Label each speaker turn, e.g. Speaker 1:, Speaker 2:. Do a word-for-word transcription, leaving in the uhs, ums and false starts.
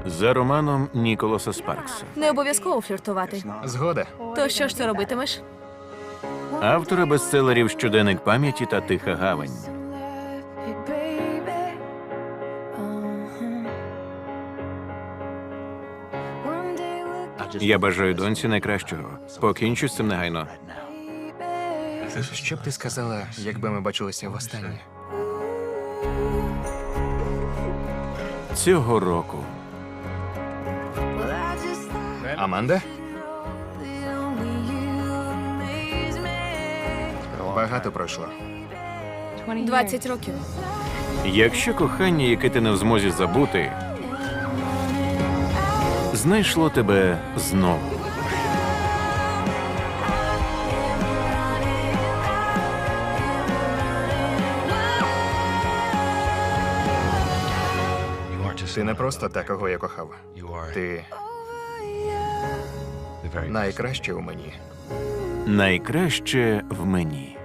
Speaker 1: За романом Ніколаса Спаркса.
Speaker 2: Не обов'язково фліртувати.
Speaker 3: Згода.
Speaker 2: То що ж ти робитимеш?
Speaker 1: Автора бестселерів «Щоденник пам'яті» та «Тиха гавань». Я бажаю доньці найкращого. Покінчу з цим негайно.
Speaker 3: Що б ти сказала, якби ми бачилися востаннє?
Speaker 1: Цього року.
Speaker 3: Аманда? Багато пройшло.
Speaker 2: Двадцять років.
Speaker 1: Якщо кохання, яке ти не в змозі забути, знайшло тебе знову.
Speaker 3: Ти не просто та, кого я кохав. Ти найкраще у мені.
Speaker 1: Найкраще в мені.